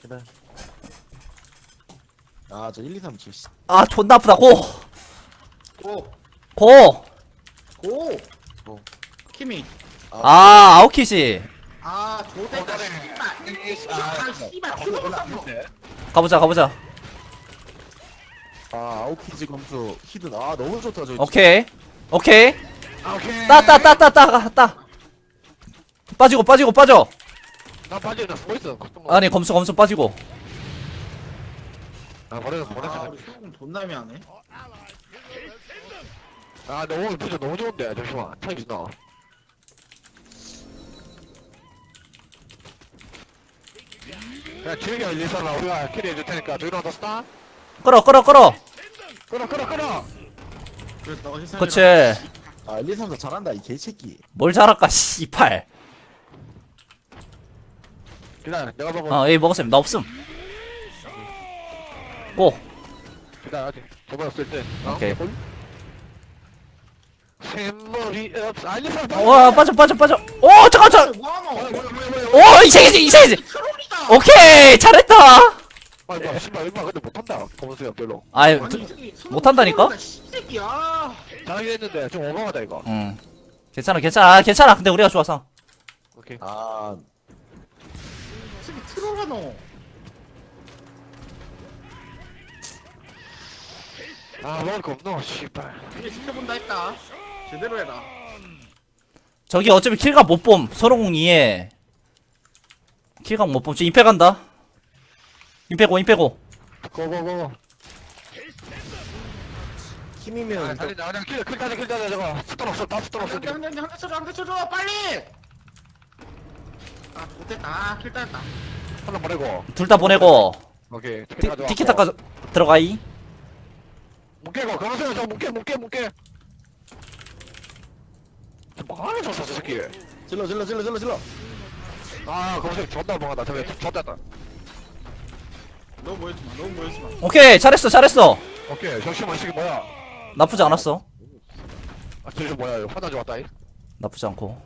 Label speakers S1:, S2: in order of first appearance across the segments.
S1: 그래. 아, 저 1, 2, 3 7.
S2: 아 존나 아프다. 고!
S3: 고!
S2: 고!
S3: 고!
S1: 고.
S3: 키미.
S2: 아 아오키지.
S3: 아, 조대가 씨발. 씨발, 트롤하노.
S2: 가보자 가보자.
S1: 아, 아웃키즈 검수 히든. 아, 너무 좋다. 저.
S2: 오케이 오케이.
S4: 오케이.
S2: 따 빠지고 빠져.
S4: 나 빠져, 나 숨어있어.
S2: 아니 검수 빠지고.
S4: 아, 버려서
S3: 아,
S4: 보냈어.
S3: 우리 소금 돈남이 하네.
S4: 아, 너무, 진짜 너무 좋은데. 잠시만. 타임 나. 야, 길게 일리서라. 우리가 캐리 해줄 테니까. Do you understand?
S2: 끌어
S4: 끌어.
S3: 그래, 너 희생해라.
S2: 그치.
S1: 아, 1, 2, 3 잘한다. 이 개새끼.
S2: 뭘 잘할까 씨팔.
S4: 기다려. 내가 봐봐.
S2: 에이 먹었음. 나 없음. 고.
S4: 기다려. 아직. 저번에 쓸 때.
S2: 오케이.
S4: 샘머리 없어. 아, 일리서
S2: 와 빠져 오 잠깐.
S3: 뭐하노?
S2: 오 이세이지.
S3: 트롤이다.
S2: 오케이 잘했다.
S4: 아, 뭐야. 씨발. 얼마 근데 못한다. 검은수야, 별로.
S2: 아이
S3: 아니, 이 새끼 트롤-
S2: 못한다니까?
S3: 트롤이다, 씨새끼야.
S4: 잘하긴 했는데. 좀 오버하다, 이거.
S2: 응. 괜찮아. 근데 우리가 좋아서.
S4: 오케이.
S1: 아,
S3: 이 새끼 트롤하노.
S4: 아, 먹을 거 없노. 씨발.
S3: 이제 지켜본다 했다. 제대로 해라.
S2: 저기 어차피 킬각 못봄. 서로공2에 킬각 못봄. 지금 임페 간다. 임페고.
S4: 고고고.
S1: 힘이면.
S4: 아, 달린다. 그냥 킬 따자, 저거. 스톤 없어. 다 스톤 없어. 지금.
S3: 한대 쳐줘, 빨리! 아, 못됐다. 아, 킬 따였다.
S4: 하나 보내고.
S2: 둘 다 보내고.
S4: 오케이.
S2: 티켓타까 들어가이.
S4: 뭉개고. 가만있어. 저 뭉개. 뭐 하는 줬어, 저 새끼.
S1: 질러.
S4: 아, 거기서 존나 멍하다. 저기 존나다.
S3: 너무 보여주지 마.
S2: 오케이 잘했어.
S4: 오케이. 잠시만, 이 새끼 뭐야?
S2: 나쁘지 않았어.
S4: 아, 저기 뭐야? 이거 화나 좋았다. 이.
S2: 나쁘지 않고.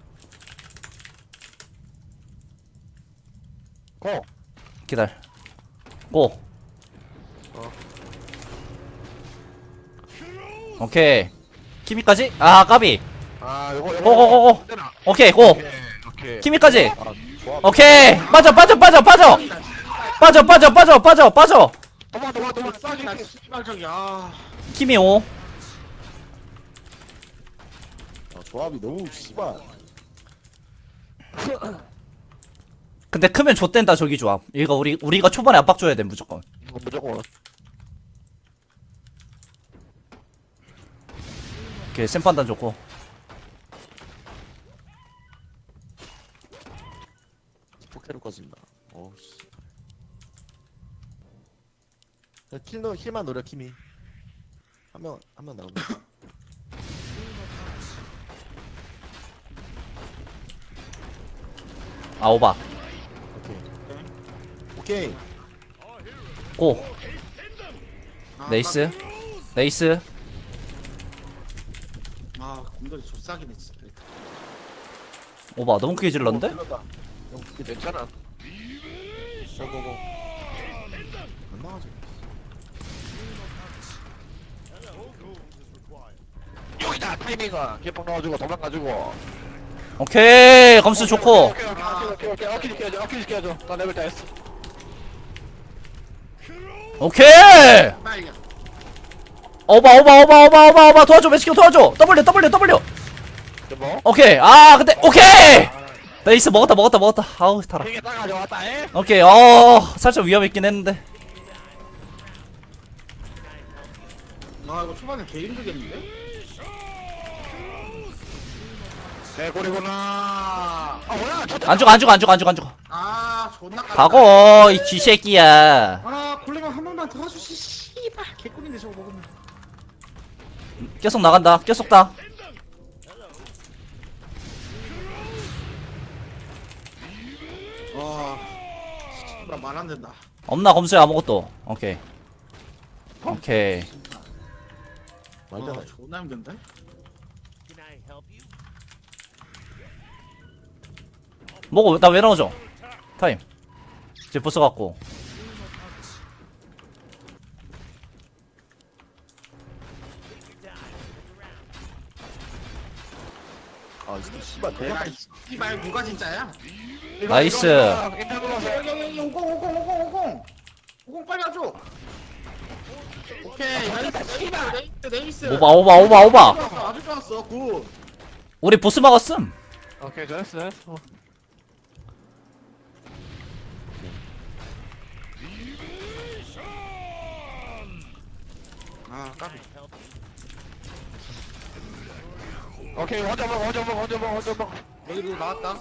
S4: 고.
S2: 기다려. 고. 오케이. 키미까지? 아 까비.
S4: 아, 요거.
S2: 고고고고.
S4: 되나?
S2: 오케이 고.
S4: 오케이.
S2: 키미까지.
S1: 아, 좋아.
S2: 오케이. 빠져.
S4: 도망.
S3: 나 씨발적이야.
S2: 키미 5.
S1: 아, 조합이 너무 씨발.
S2: 근데 크면 좆된다 저기 조합. 이거 우리가 초반에 압박 줘야 돼 무조건.
S4: 무조건.
S2: 오케이 샘 판단 좋고.
S1: 포켓을 꺼진다. 어우 씨. 야, 힐만 노려 키미. 한 명 나온다.
S2: 아 오바.
S1: 오케이.
S2: 고.
S3: 아,
S2: 네이스.
S3: 아, 공돌이 족삭이네, 진짜.
S2: 오바 너무 크게 질렀는데?
S1: 질렀다.
S4: 괜찮아.
S1: 고고고. 안 나가지.
S4: 여기다 타이밍아. 개빵 넣어주고 도망가주고.
S2: 오케이 검수 좋고.
S4: 오케이. 어키 시켜줘. 나 레벨 다 했어.
S2: 오케이.
S3: 빨리.
S2: 오바 도와줘 매스ኪ 도와줘. W.
S4: 뭐?
S2: 오케이. 아 근데 오케이. 네이스 먹었다. 아우 타라.
S4: 되게 따가져 왔다. 에?
S2: 오케이. 살짝 위험했긴 했는데.
S3: 아, 이거 초반에 개 힘들겠는데?
S4: 개구리구나. 아 뭐야?
S2: 안 죽어.
S3: 아, 존나 까.
S2: 가고 이 쥐새끼야.
S3: 아, 골레만 한 번만 더 가주시, 씨발. 개꿀인데 저거 먹으면.
S2: 계속 나간다. 계속 다.
S3: 와, 씨발, 말 안 된다.
S2: 없나 검수야 아무것도. 오케이.
S1: 말도 안
S3: 아,
S1: 해.
S3: 존나 힘든데?
S2: 뭐고 나 왜 나오죠? 타임. 이제 보스 갖고.
S1: 아 진짜 씨발
S3: 내가
S1: 대박.
S3: 씨발 누가 진짜야?
S2: 나이스.
S4: 인터 눌러서.
S3: 여기 50 빨리 와줘. 오케이 나이스 네이스.
S2: 오바.
S3: 좋았어, 아주 좋았어 굿.
S2: 우리 보스 막았음.
S4: 오케이, 잘했어.
S3: 아 까비.
S4: 오케이, 혼자 먹어.
S3: 여기로 나왔다.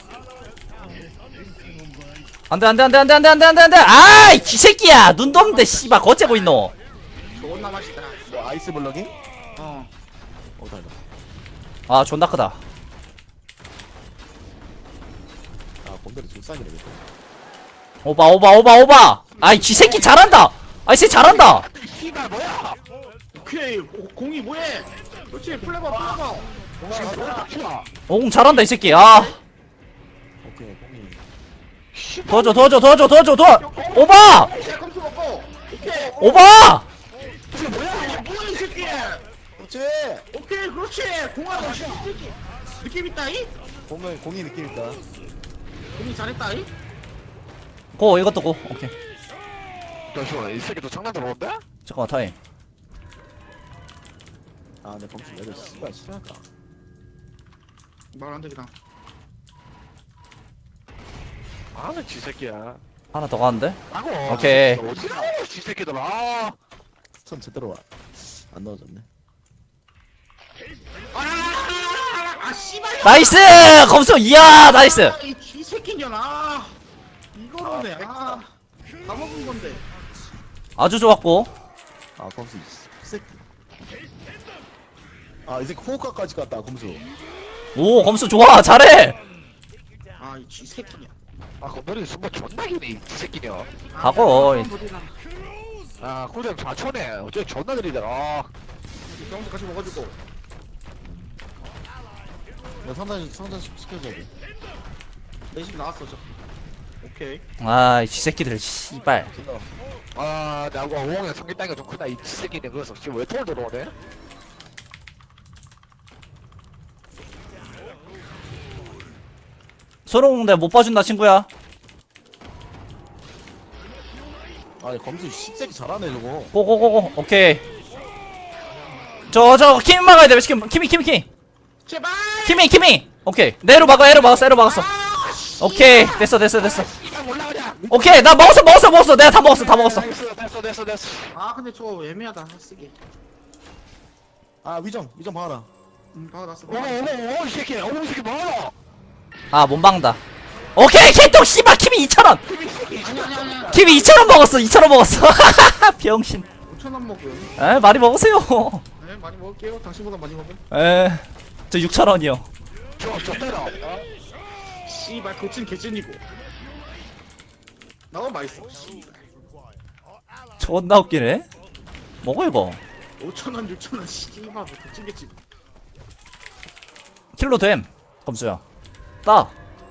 S2: 안돼. 아이 기새끼야. 눈도 없는데 씨발 거째고 있노.
S3: 존나 맛있다.
S1: 뭐 아이스 블럭이?
S3: 어.
S1: 달라.
S2: 아 존나 크다.
S1: 아 곰돌이 줄상이네.
S2: 오바. 아이 기새끼 잘한다. 아이 쟤 잘한다.
S4: 씨발, 뭐야?
S3: 오케이 공이 뭐해? 그렇지 플레버.
S4: 뭐야?
S2: 오공 잘한다 이 새끼. 아
S1: 오케이 공이.
S2: 도와줘. 오바.
S3: 야 컴퓨터 먹고. 오케이.
S2: 오바.
S3: 뭐야 이 새끼.
S1: 그렇지.
S3: 오케이 그렇지. 공하고 새끼. 느낌 있다이?
S1: 공이 느낌 있다.
S3: 공이 잘했다이?
S2: 고 이것도 고. 오케이.
S4: 잠시만, 이 새끼도 장난 들어온대?
S2: 잠깐만 타임.
S1: 아 내 범수 얘들 씨발 싫어할까?
S3: 말 안 되겠다.
S4: 아는 지 새끼야.
S2: 하나 더 가는데?
S4: 아고.
S2: 오케이.
S4: 어디가 지 새끼들. 아.
S1: 선 제대로 안 넣어줬네.
S3: 아 씨발.
S2: 나이스. 검수 이야 나이스.
S3: 이 쥐새끼년아. 이거로네. 다 먹은 건데.
S2: 아주 좋았고.
S1: 아 검수 이 새끼. 아 이제 호흡까지 갔다 검수.
S2: 오 검수 좋아 잘해.
S3: 아이 쥐새끼냐.
S4: 아, 건너리 순간 존나 기네, 이 새끼냐.
S2: 하고.
S4: 아, 꿀잼 4초네. 어째 존나 느리더라.
S3: 병수 같이 먹어주고.
S1: 나 상단 시켜줘야 돼.
S3: 내집 나왔어 저. 오케이.
S2: 아이 새끼들 씨발.
S1: 킬러.
S4: 아, 나하고 오홍의 성기 땅이가 좀 크다, 이 새끼네. 그래서 지금 왜 톨 들어오네?
S2: 소롱 내못 봐준다 친구야.
S1: 아니 검수 씨새끼 잘하네 저거.
S2: 고고고고. 오케이. 저 키미 막아야 돼. 키미.
S3: 제발.
S2: 키미. 오케이. 내로 막았어. 오케이. 됐어.
S4: 이거 올라가자!
S2: 오케이. 나 먹었어. 내가 다 먹었어.
S4: 됐어.
S3: 아 근데 저거 애매하다 쓰기.
S1: 아 위정 봐라.
S3: 박아놨어.
S4: 오, 이 새끼. 오, 이 새끼 뭐하노?
S2: 아 못 막는다. 오케이. 개똥 씨발 키미 2,000원.
S3: 아니야.
S2: 키미 2,000원 먹었어. 2,000원 먹었어. 병신.
S3: 5,000원 먹음.
S2: 에 많이 먹으세요.
S3: 네 많이 먹을게요. 당신보다 많이 먹음.
S2: 저 6,000원이요.
S4: 저 때려.
S3: 씨발 도찐 개찐이고. 나도 맛있어. 씨발.
S2: 존나 웃기네. 먹어 이거.
S3: 5,000원 6,000원 씨발 뭐 도찐 개찐.
S2: 킬로 됨. 검수야. 따.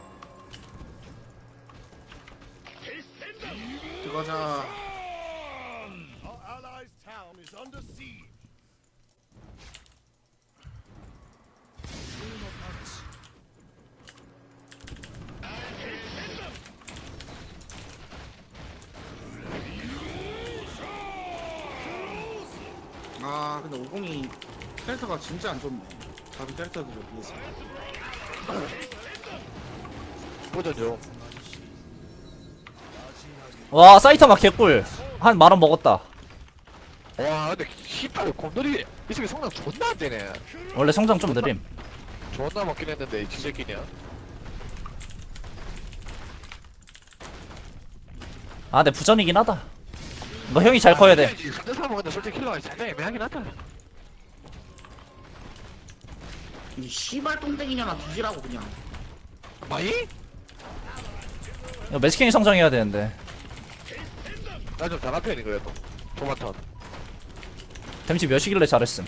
S3: 들어가자. 아 근데 50이 캐릭터가 진짜 안 좋네. 다른 캐릭터들에 비해서.
S4: 보자죠.
S2: 와 사이타마 개꿀. 한 10,000원 먹었다.
S4: 와, 근데 씨발 곰돌이 이 새끼 성능 존나 안 되네.
S2: 원래 성장 좀 느림.
S4: 존나 먹긴 했는데 이 새끼냐.
S2: 아, 내 부전이긴 하다. 너 형이 잘 커야 돼.
S4: 상대 사람은 근데 솔직히 킬러가 살짝 애매하긴 하다.
S3: 이 씨발 똥땡이냐나 뒤지라고 그냥.
S4: 마이?
S2: 이거 매스킹이 성장해야 되는데.
S4: 나 좀 잘한 편이 그래도. 토마토.
S2: 댐지 몇이길래 잘했음.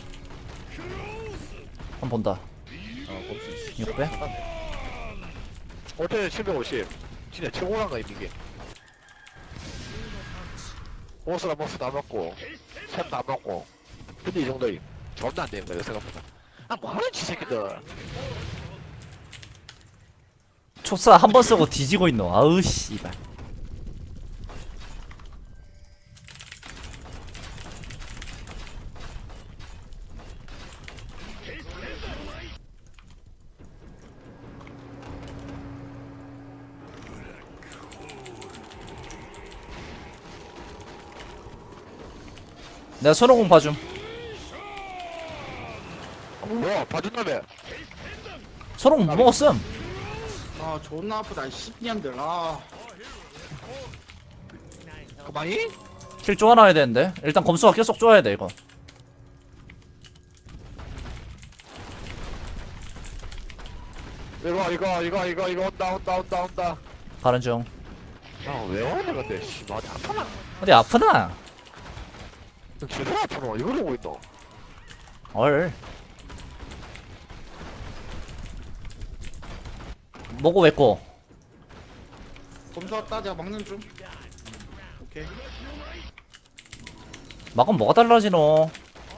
S2: 한번 본다.
S1: 아 검수
S2: 600?
S4: 어때 750. 진짜 최고란 거 이게. 보스랑 보스 다 먹고 샘 다 먹고 근데 이 정도임 존나 안 되는 거야 생각보다. 아 뭐하는 지 새끼들.
S2: 촉사 한 번 쓰고 뒤지고 있노. 아우 씨발. 내가 손오공 봐줌.
S4: 뭐야 봐준다며.
S2: 손오공 뭐 먹었음.
S3: 아 존나 아프다 이 씨년들. 아
S4: 그만이?
S2: 킬 쪼아놔야 되는데. 일단 검수가 계속 쪼아야 돼 이거.
S4: 이거 온다.
S2: 가는 중.
S4: 야왜 오네 근데 씨발 어디 아프나?
S2: 어디 아프나?
S4: 제대로 아프노 이걸 오고 있노.
S2: 얼. 뭐고 왜꼬?
S3: 검수 왔다. 내가 막는 중. 오케이.
S2: 막으면 뭐가 달라지노?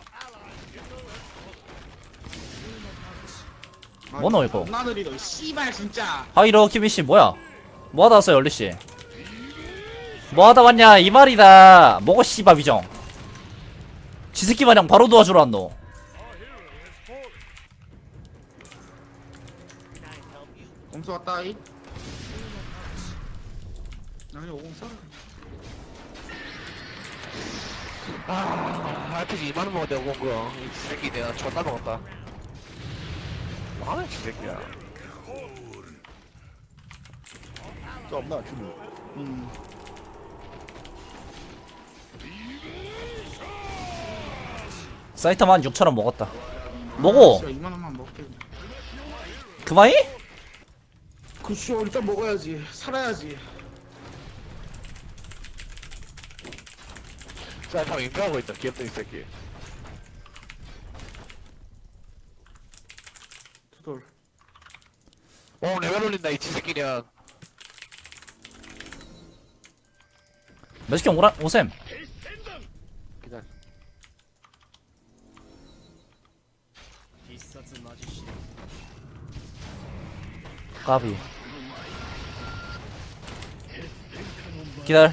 S3: 아,
S2: 뭐노, 이거?
S3: 존나 느리다 이 씨발 진짜.
S2: 하이로 키미씨 뭐야? 뭐하다 왔어요 얼리씨? 뭐하다 왔냐 이 말이다. 뭐고 씨발 비정. 지새끼 마냥 바로 도와주러 왔노.
S3: 검수 왔다 이. 아니 오공 써.
S4: RPG 2만원 먹었대 온 거. 이 새끼 내가 존나 먹었다. 뭐하는 지 새끼야.
S1: 저 없나 큐미.
S2: 사이타마 한 6,000원 먹었다. 뭐고?
S3: 2만 원만 먹게.
S2: 그만이?
S3: 그쇼 일단 먹어야지. 살아야지.
S4: 자, 다 인가하고 있다. 귀엽다 이 새끼.
S3: 두돌.
S4: 레벨 올린다 이 지새끼냐.
S2: 매직형 오셈.
S4: 기다려.
S2: 까비. 기다려.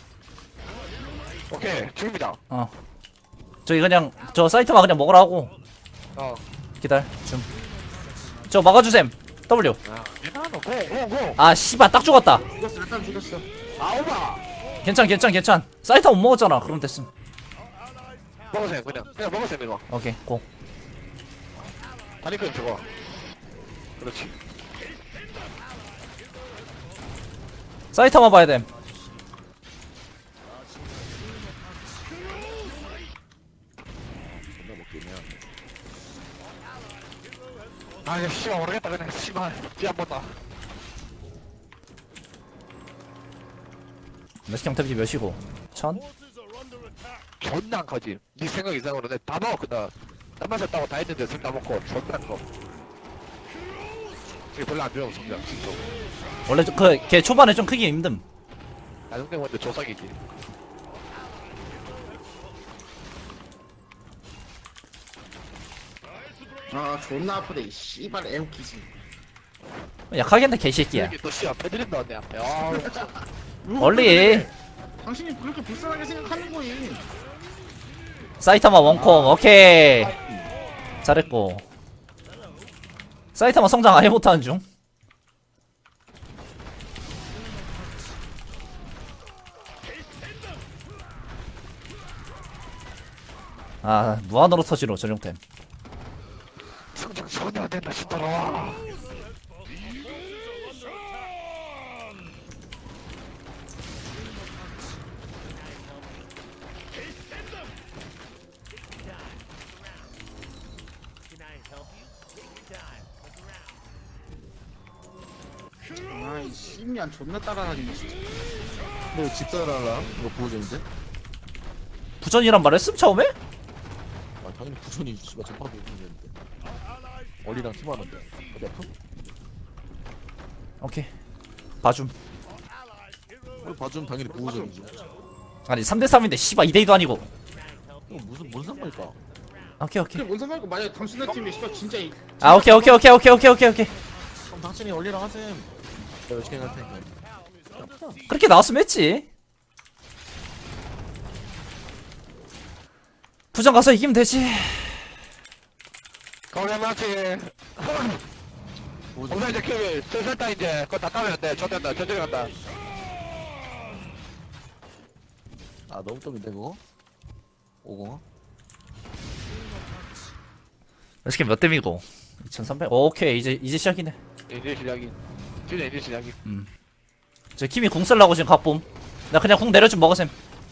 S4: 오케이 죽입니다.
S2: 저기 그냥 저 사이트만 그냥 먹으라고. 기다려. 좀. 저 막아주셈. W.
S4: 괜찮아. 고.
S2: 아 씨발 딱 죽었다.
S3: 죽였어. 일단 죽였어.
S4: 아우바.
S2: 괜찮. 사이트 못 먹었잖아. 그럼 됐음.
S4: 먹으세요 그냥 먹으세요 이거.
S2: 오케이 고.
S4: 다리끈 저거. 그렇지.
S2: 사이트만 봐야 됨.
S1: 존나 먹겠냐.
S4: 아 이거 씨발 모르겠다 그냥 씨발 뒤안 본다.
S2: 매직형 탭이 몇이고? 1000?
S4: 존나 안 커지. 네 생각 이상으로 내가 다 먹었거든. 땀 마셨다고 다 했는데 술 다 먹고 존나 안 커. 이게 별로 안 좋아 성장 진짜.
S2: 원래 걔 초반에 좀 크기 힘듦.
S4: 나중 때문에 조사기지.
S3: 아 존나 아프다 이 씨발 애웃기지.
S2: 약하겠네 개새끼야.
S4: 이렇게 또 씨발 패드린다 내 앞에. 아
S2: 원리
S3: 당신이 그렇게 불쌍하게 생각하는 거임.
S2: 사이타마 원콤. 오케이 잘했고. 사이타마 성장 아예 못하는 중. 아 무한으로 터지로 전용템.
S4: 성장 전혀 안 된다 싶더라.
S3: 아이 씨년 존나 따라다니네 진짜.
S1: 너 집사라랑 이거 보호전인데?
S2: 부전이란 말 했음 처음에?
S1: 아 당연히 부전이 씨발 전파도 있는데. 얼리랑 팀하는데 어디 아프?
S2: 오케이 봐줌.
S1: 우리 봐주면 당연히 보호전이지.
S2: 아니 3대3인데 씨발 2대2도 아니고.
S1: 이거 무슨 뭔 상관일까?
S2: 오케이
S3: 근데 뭔 상관이고 만약에 당신네 팀이 씨발 진짜
S2: 아 오케이.
S1: 그럼 당신이 얼리랑 하셈. 내가 열심히 할 테니까.
S2: 그렇게 나왔으면 했지. 부정 가서 이기면 되지.
S4: 거기 맞지. 오늘 이제 킬 슬슬다 이제 그거 다 따면 돼. 좋된다. 전쟁 간다.
S1: 아 너무 뜸인데 그거? 50?
S2: 이렇게 몇 댐이고? 2300. 오케이 이제 시작이네.
S4: 이제 시작이. 진짜 이제 시작이.
S2: 저 키미 궁 쓸라고 지금 각봄. 나 그냥 궁 내려 좀 먹으셈.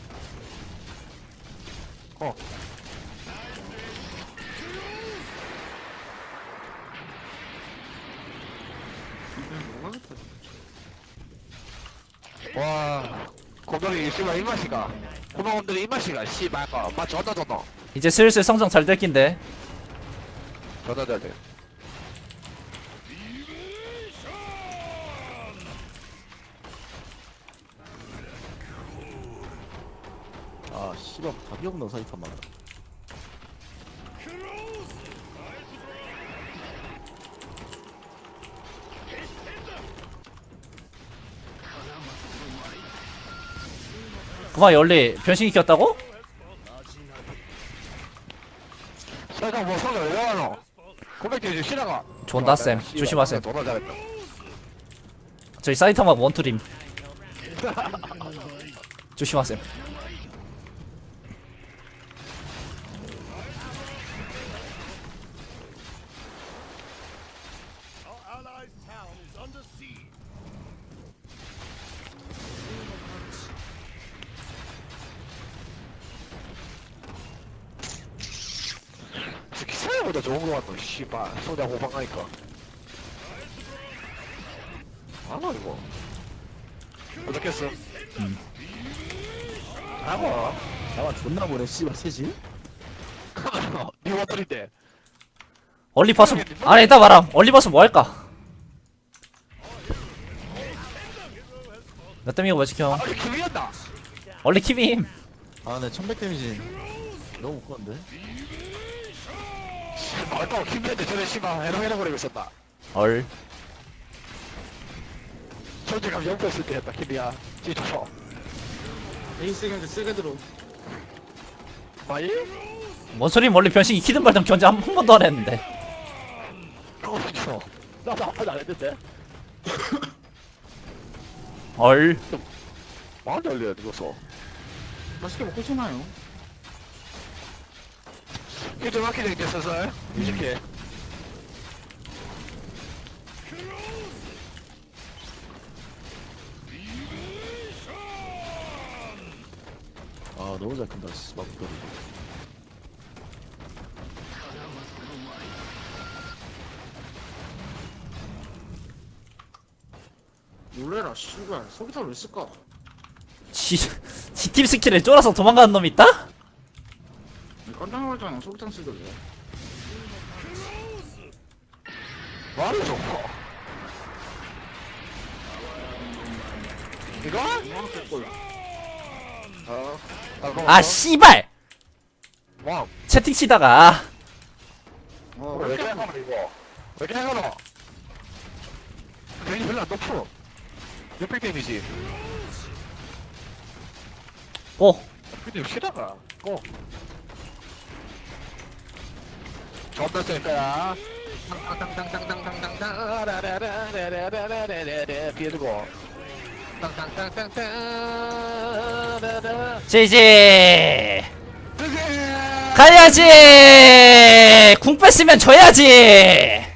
S3: 뭐하겠다.
S4: 와. 곰돌이 씨발 입맛이가. 고마원들이 입맛이가. 씨발 거. 엄마 존나 존나.
S2: 이제 슬슬 성장 잘 될 낀데.
S4: 존나 잘 돼.
S1: 아 씨발 답이 없는 사이판 많아.
S2: 그만 열리 변신이 켰다고?
S4: 설탕 뭐 성을 왜 하노? 고백대 이제 쉬다가.
S2: 좋은다 쌤. 조심하셈.
S4: 존나 잘했다.
S2: 저희 사이타마 원투림. 조심하셈.
S4: 생각보다 좋은 거 같노. 씨발 소자 호방하니까. 아나 이거. 어떻겠어? 하고.
S1: 나만 존나 보네 씨발 셋이.
S4: 니 워터인데.
S2: 얼리 봤음. 아니 이따 말함. 얼리 봤음 뭐 할까? 몇 댐이고 몇 지켜?
S4: 아니 기미였다.
S2: 얼리 키빔.
S1: 아네 1100 데미지. 너무 못 건데.
S4: 말도 김대한테 전에 씨발 해롱해롱 거리고 있었다.
S2: 얼.
S4: 존재감 0% 쓸 때 했다 김이야. 진짜 좋아.
S3: 에이스 경제 세게 들어.
S4: 마이?
S2: 뭔 소리 멀리 변신 익히든 말든 견제 한 번도 안 했는데.
S4: 그렇죠. 나도 한 번도 안 했는데.
S2: 얼.
S4: 많이 열려야 이거서.
S3: 맛있게 먹고 싶나요?
S4: 이제 막히네 이제 슬슬. 이렇게.
S1: 아 너무 잘 큰다 씨발 목소리.
S3: 놀래라 씨발 소기탄 왜 쓸까?
S2: 지팀 스킬에 쫄아서 도망가는 놈이 있다?
S3: 깜짝 놀랐잖아 소기탄 쓰길래.
S4: 말을 좀. 이거?
S3: 이거 뺄걸.
S2: 아 씨발!
S4: 와.
S2: 채팅 치다가
S4: 왜 이렇게 하노 이거? 왜 이렇게 하노? 괜히 별로 안 높어. 600 데미지.
S2: 오
S4: 근데 쉬다가 고. 존나 쓸 거야. 땅땅땅땅땅땅땅땅 라라라라라라라라라라 비에두고 땅땅땅땅땅
S2: 지지 가야지 궁 뺐으면 져야지